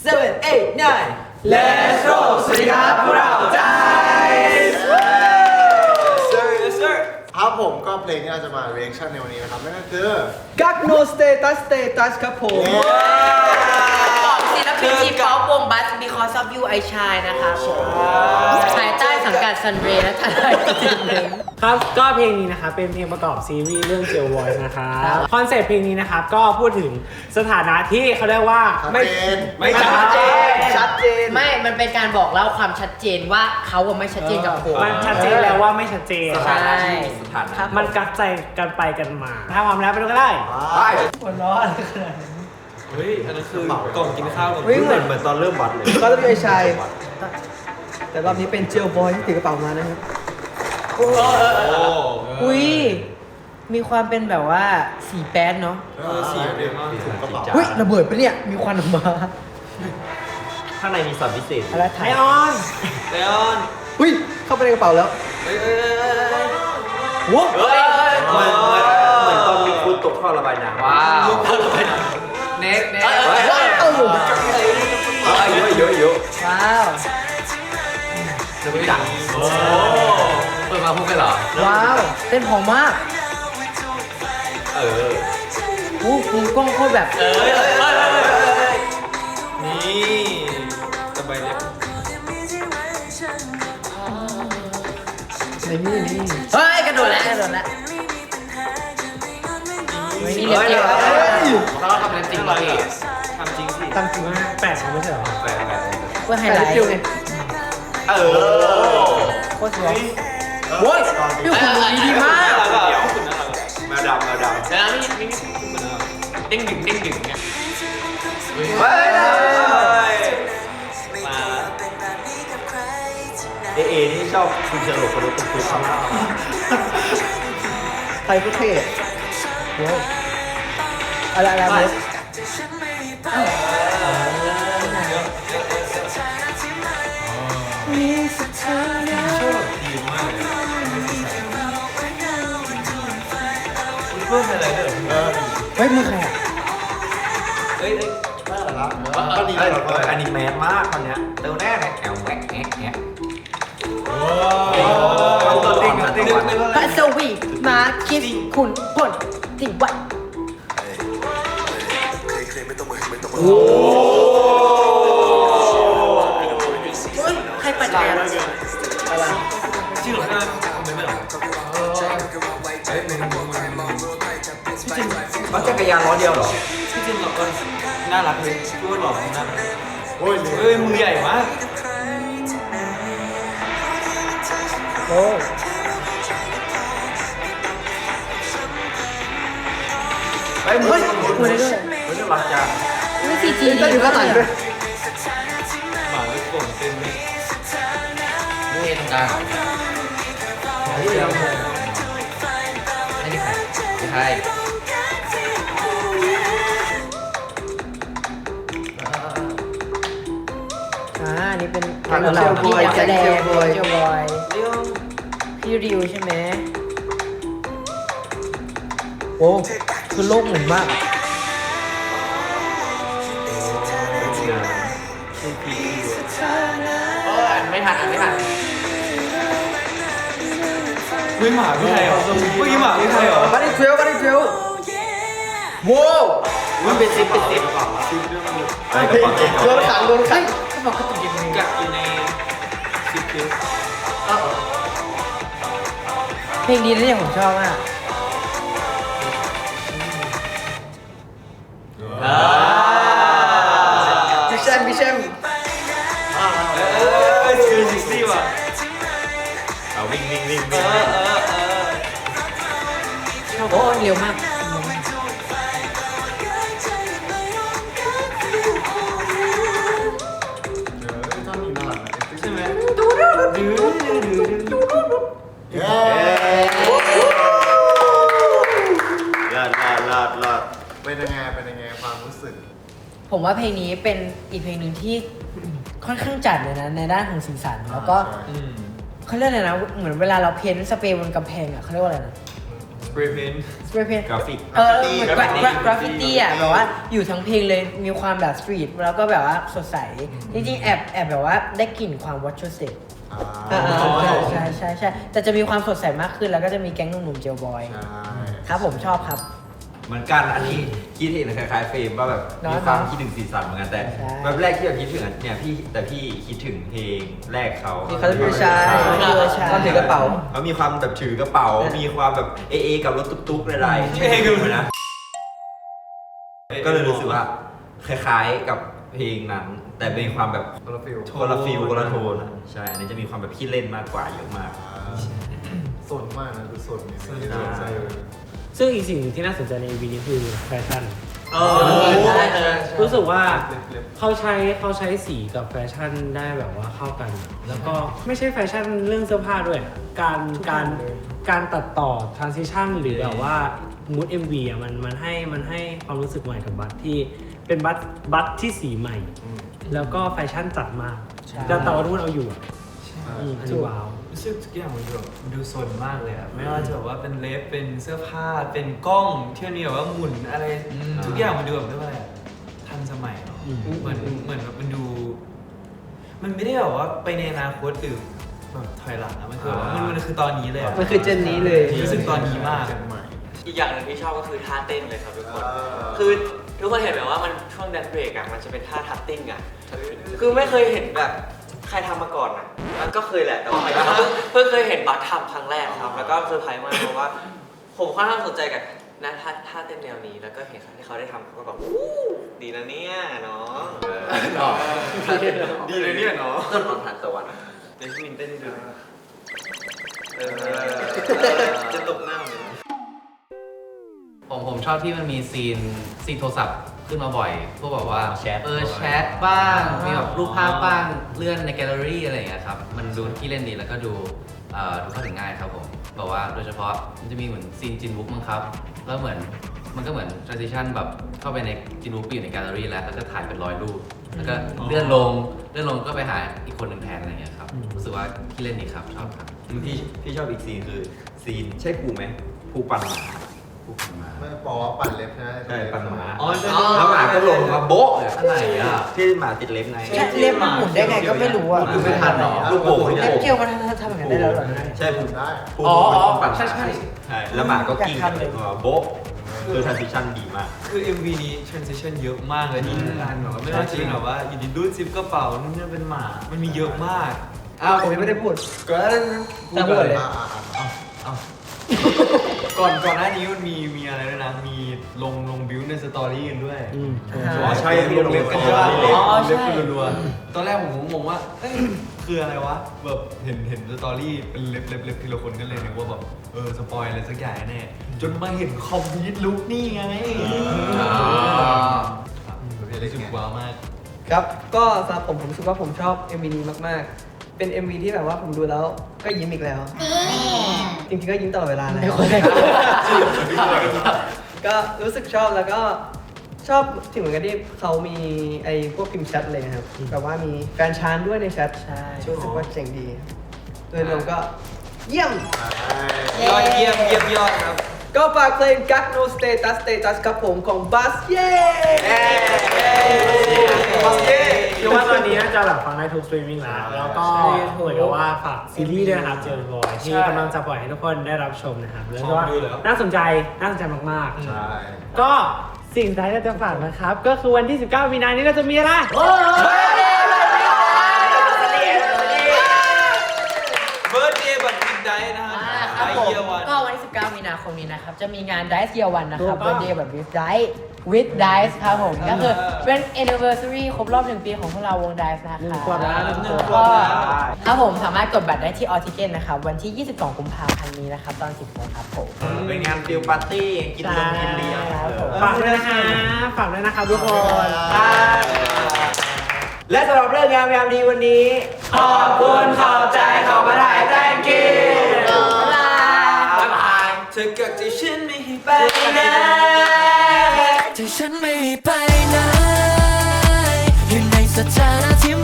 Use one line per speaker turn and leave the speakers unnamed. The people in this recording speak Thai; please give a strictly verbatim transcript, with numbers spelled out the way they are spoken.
seven eight nine
Let's go สวัสดีครับพวกเราใจ
sir yes sir
ครับผมก็เพลงที่เราจะมา reaction ในวันนี้นะครับนั่นก็คือ
กักโนสเตตัสสเตตัสครับผม
ของศิลปินทีป๊อปวงบัส because of you I shine นะคะภายใต้สังกัดซันเรย์และทนายจินเดน
ครับก็เพลงนี้นะครับเป็นเพลงประกอบซีรีส์เรื่อง Jail Voice นะครับคอนเซ็ปต์เพลงนี้นะครับก็พูดถึงสถานะที่เขาเรียกว่า
ไม่
ไม่ชัดเจน
ชัดเจน
ไม่ มันเป็นการบอกเล่าความชัดเจนว่าเขาอะไม่ชัดเจนกับผม
มันชัดเจนแล้วว่าไม่ชัดเจน
ใช่
สถานะ
ครับ
มันกักใจกันไปกันมา ถ้าความแล้วไปดูก็ได้
ไป
หัวร้อน
เฮ้ยอันนั้นคือกล่องกินข้าว
เฮ้ยเหมือน
เหมือนตอนเริ่มบัตรเลย
ก็ต้องมีไอชายแต่รอบนี้เป็นเจลบอยที่ถือกระเป๋ามานะครับ
โอ้
อุ้ยมีความเป็นแบบว่าสีแป๊ดเนาะ
เออสีเดียวกันถุงกระเป๋า
เฮ้ยระเบิดปะเนี่ยมีควันออกมา
ข้างในมีสัตว์พิเศษ
อะไรถ่า
ไอย ออน
เลออน
เฮ้ยเข้าไปในกระเป๋าแล้ว
เฮ้ยเฮ้ยเฮ้ยเฮ้ย
โว้
เฮ้ยเหมือนเหมือนเหมือนตอนมีคุณตกท่อระบายน้ำว้าวท่อระบายน้ำเน็ตเน็ตเฮ้ยเฮ้ย
เอ้า
เยอะเยอะเยอะ
ว้าว
จะไม่ดังโอ้เปิดมาพูดกันเหรอ
ว้าวเต้นหอมมาก
เออ
อู้หูกล้องโคตรแบบ
เอ้ยเอ้ยเอ้ยเอ้ยเอ้ยนี่สบายเลย
ในนี่นี่
เฮ้ยกระโดดแล้วกระโดดแล้วเฮ้ยนี่เล็บเดียว
เราทำเล่นจริงเหรอพี่ทำจริงสิ
ตั้งจริง
แปลกไม่ใช่เหรอ
แปลกแปลก
เพื่อไฮ
แต่
ไลท์
เดียวไง
เออ
โคตรสวย
โว้ย
พี่คุณดูดีมาก
แมวดำแมวดำแล้วนี่นี่เด้งดึงเด้งดึงเนี่ยเฮ้ยมาเอเอนี่ชอบคุณเฉลิมคนรู้ตุ้มตุ้ม
ไทยก็เท่โว้ยอะไรอะไรอะไรเฮ้ยมือใครอ่ะ
เฮ้ย
ก็ดีเลย
อันนี้แมสมากคนเนี้ยเร็วแน่เลยแอลแว็กแอ๊ะแอ๊ะโอ้ตัวติ้งตัวติ้ง
ปัสวีมาคิสคุณพลจิวัดโอ้ยใครปัดจักรยาน
ชื่อหรอไม่ไม่หรอมันจักรยานล้อเดียวหรอพี่จินหรอน่ารักเลยพูดหรอน่ารัก
โอ้ย
เฮ้ยมือใหญ่มาก
โอ้
เฮ้ยมือมือได้ด้วยมือน่ารักจัง
นี่ซีจี
ก็อยู่ข้างหลังด้วย
หมาไม่โกงเต็มเลย
นี่ตรงกลางนี่ใครนี่ใคร อ่านี่เป็น
แก๊งเจลบอย
แส
แก๊ง
ดง
เจลบอย
เจลบอยพี่ริวใช่ไหม
โอ้คือโลกหมุนมาก
เออไม่ทันไม่ทัน
เฮ้ยหมาพี่ไทยเหรอเมื่อกี้หมาพี่ไทยเหรอ
บันนี่เทรลบันนี่เทรลโว้ว
มันเป็นซิปเป็นซิป
ไอ้เพลงเก่ง
โดนขังโดนขั
เฮ้
ง
ยเขาบอกเขาตกยังไง
กักอยู่ในซิปคือ
เพลงนี้นะเนี่ยผมชอบมาก
พี่แชมป์พี่แชมป์
เออคือซิกซี่ว่ะเอาวิ่งวิ่งวิ่งวิ่งเออเออเออ
ชอบโอ้ยเร็วมาก
ต้องมีน่ารัก
ใช่ไหม
เย้ลาดลาดลาดลาดเป็นยังไงเป็นยังไงความรู้สึก
ผมว่าเพลงนี้เป็นอีกเพลงหนึ่งที่ค่อนข้างจัดเลยนะในด้านของสีสันแล้วก็
อืม
เขาเรียกอะไรนะเหมือนเวลาเราเพ้นท์สเปรย์บนกำแพงอ่ะเขาเรียกว่าอะไรนะ
ส
spray paint
สเปรย์เพน
กราฟิก
เออเหมือนกราฟฟิตี้อ่ะแบบว่าอยู่ทั้งเพลงเลยมีความแบบสตรีทแล้วก็แบบว่าสดใสจริงๆแอบแอบแบบว่าได้กลิ่นความวอชชูเซ็ต
อ่า
ใช่ใช่ใช่แต่จะมีความสดใสมากขึ้นแล้วก็จะมีแก๊งหนุ่มๆเจลบอย
ใช่
ครับผมชอบครับ
เหมือนกันอันนี้คิดเห็นคล้ายๆเฟรมว่าแบบ
เนอะ
มีความ
เนอะ
คิดถึงสีสันเหมือนกันแต่
ใช่
แบบแรกที่แบบคิดถึงอะเนี่ยพี่แต่พี่คิดถึงเพลงแรกเขา
ที่เขาจะพิชาย
ใช่
ตอนถือกระเป๋า
เขามีความแบบถือกระเป๋า มีความแบบเอเอกับรถตุ๊กๆอะไรๆใช่ไหมนะก็เลยรู้สึกว่าคล้ายๆกับเพลงนั้น แต่เป็นความแบบ
คนละฟิล
คนละฟิลคนละโทนอะใช่อันนี้จะมีความแบบขี้เล่นมากกว่าเยอะมาก
สนมากนะคือสนเนี่ย
สน
ที่สนใจเลย
ซึ่งอีกสิ่งหนึ่งที่น่าสนใจใน เอ็ม วี นี้คือแฟชั่น
เออใช่ใช่
รู้สึกว่า
เล็บ
เขาใช้เขาใช้สีกับแฟชั่นได้แบบว่าเข้ากัน แล้วก็ไม่ใช่แฟชั่นเรื่องเสื้อผ้าด้วย การการการตัดต่อ transition หรือแบบว่า mood เอ็ม วี อ่ะมันมันให้มันให้ความรู้สึกใหม่กับบัตที่เป็นบัตบัตที่สีใหม่ แล้วก็แฟชั่นจัดมากแต่แต่ว่าทุกคนเอาอยู่อะอืมอันนี้ว้าว
รู้สึกทุกอย่างมันดูแบบดูสนมากเลยอะไม่ว่าจะแบบว่าเป็นเล็บเป็นเสื้อผ้าเป็นกล้องที่มันมีแบบว่าหมุนอะไรทุกอย่างมันดูแบบเรียกว่าอะไรอะทันสมัยเนาะ
อืม
เหมือนเหมือนแบบมันดู มันไม่ได้แบบว่าไปในอนาคตหรือแบบถอยหลังอะมันคือแบบว่ามันมันคือตอนนี้เลยะ
มันคือเจนนี้เลย
รู้สึกตอนนี้มาก
เจนใหม่
อีกอย่างหนึ่งที่ชอบก็คือท่าเต้นเลยครับทุกคน
อ่า
คือทุกคนเห็นไหมว่ามันช่วงแดนเบรกอะมันจะเป็นท่าทัตติ้งอะคือไม่เคยเห็นแบบใครทำมาก่อนอะมันก็เคยแหละแต่ว่าหมายถึงว่าเพิ่งเพิ่งเคยเห็นบัตทำครั้งแรกครับ แล้วก็เซอร์ไพรส์มากเพราะว่า ผมค่อนข้างสนใจกับนะท่าท่าเต้นแนวนี้ แล้วก็เห็นครั้งที่เขาได้ทำก็แบบวู้ดีนะเนี่ยเนาะ
ดีเลยเนี่ยเนาะ
ต้นของทานตะวันเดี๋ยวพี่มินเต้นให้ดูหน่อยเออจะตกหน้าเลย
ผมผมชอบที่มันมีซีนซีนโทรศัพท์ขึ้นมาบ่อย พวกแบบว่า
แชท
เออแชทบ้าง มีแบบรูปภาพบ้าง เลื่อนในแกลเลอรี่อะไรอย่างเงี้ยครับ มันดูที่เล่นดีแล้วก็ดูเอ่อดูเข้าถึงง่ายครับผมแบบว่าโดยเฉพาะมันจะมีเหมือนซีนจินบุ๊กมั้งครับ แล้วเหมือนมันก็เหมือน transition แบบเข้าไปในจินบุ๊กอยู่ในแกลเลอรี่แล้วแล้วก็ถ่ายเป็นร้อยรูป แล้วก็เลื่อนลง เลื่อนลงก็ไปหาอีกคนหนึ่งแทนอะไรอย่างเงี้ยครับ รู้สึกว่าที่เล่นดีครับ ชอบครับ
พี่พี่ชอบอีกซีนคือซีนใช่ปูไหมปูปั่นหมาปูปั่นหมา
ไม่บอกว่าปั่นเล็บใช่ไหม
ใช่ปั่นหมา
อ๋อใช่
แล้วหมาก็ลงมาโบ๊ะเลย
อะไรอ่ะ
ที่หมาติดเล็บไง
แค่เล็บมันหมุนได้ไงก็ไม่รู้อ่ะ
ดูไม่ทันหรอลูกโป่งลูก
เล็บ
โป่ง
เกลียวมันทำอย่างนั้นได้แล้วเหรอ
ใช่ปู
ได้
ปู
อ๋ออ๋อ
ปั่นหมา
ใช่ใช่
ใช่แล้วหมาก็กิ้ง
อยากทำเลย
เออโบ๊ะคือ transition ดีมาก
คือ เอ็ม วี นี้ transition เยอะมากเลยที่การแบบว่าไม่ว่าจะเป็นแบบว่าอยู่ดีรูดซิปกระเป๋านู่นนี่เป็นหมา มันมีเยอะมาก
อ้าวผมยังไม่ได้พูด
ก่อนหน้านี้
แต่พูดเลย
อ่าอ่าอ่า
ก่อนก่อนหน้านี้มันมีมีอะไรด้วยนะ มีลงลงบิวในสตอรี่กันด้วย
อืม
อ๋อใช่
ลงเล็บกันด้วย
อ๋อ
เล็บกันรัวๆตอนแรกผมก็งงว่าเอ้ยคืออะไรวะ แบบเห็นเห็นสตอรี่เป็นเล็บเล็บเล็บทีละคนก็เลยนึกว่าแบบเออสปอยอะไรสักอย่างแน่จนมาเห็นคอมพิวต์ลุกนี่ไงรู้สึกว้าวมาก
ครับ ก็สำหรับผมผมรู้สึกว่าผมชอบ เอ็ม วี นี้มากๆ เป็น เอ็ม วี ที่แบบว่าผมดูแล้วก็ยิ้มอีกแล้ว จริงๆก็ยิ้มตลอดเวลาเลย ก็รู้สึกชอบแล้วก็ชอบถึงเหมือนกันที่เขามีไอ้พวกพิมพ์แชทเลยนะครับแบบว่ามีแฟนชานด้วยในแชท
ใช่
รู้สึกว่าเจ๋งดีโดยรวมก็เยี่ยม
ยอดเยี่ยมเยี่ยมยอดครับ
ก็ฝากเพลง Got No Status Status ครับผมของบัสเย่
เชื่อว่าตอนนี้น่าจะแบบฟังได้ทุกสตรีมมิ่งแล้ว แล้วก็เหมือนกับว่าฝากซีรีส์ด้วยนะครับเจอร์บอยที่กำลังจะปล่อยให้ทุกคนได้รับชมนะครับ แล้วก็น่าสนใจ น่าสนใจมาก
ใช่
ๆ ก็สิ่งที่เราจะฝากนะครับ ก็คือวันที่ สิบเก้า มีนานี้เราจะมีอะไร
เบิร์ดเดย์บัตรมิดไดนะครับ
อ่าครับผม
ไอเยียวัน
ก็วันที่ สิบเก้า มีนาคมนี้นะครับ จะมีงาน Dice Year One นะครับ
ถูกต้อง
Birthday แบบ with Dice with Dice ครับผม ก็คือเป็น anniversary ครบรอบหนึ่งปีของพวกเราวง Dice นะค
หนึ่ง
รับ
ขวบแล้วหนึ่งขวบ
ก็
แล้ว
ครับผมสามารถกดบัตรได้ที่ Altigen นะครับ วันที่ ยี่สิบสอง กุมภาพันธ์นี้นะครับ ตอน สิบโมงครับผม
เป็นงานฟิลปาร์ตี้กินลงกินเลี้ยง
ใช่ครับผม
ฝากด้วยนะคะฝากด้วยนะครับทุกคน
และสำหรับเรื่องงามยามดีวันนี้ ขอบคุณขอบใจขอบพระทัย thank you
บ๊ายบายเธอเกิดที่ฉันไม่ให้ไปไหน
ที่ฉันไม่ไปไหนอยู่ในสถานะที่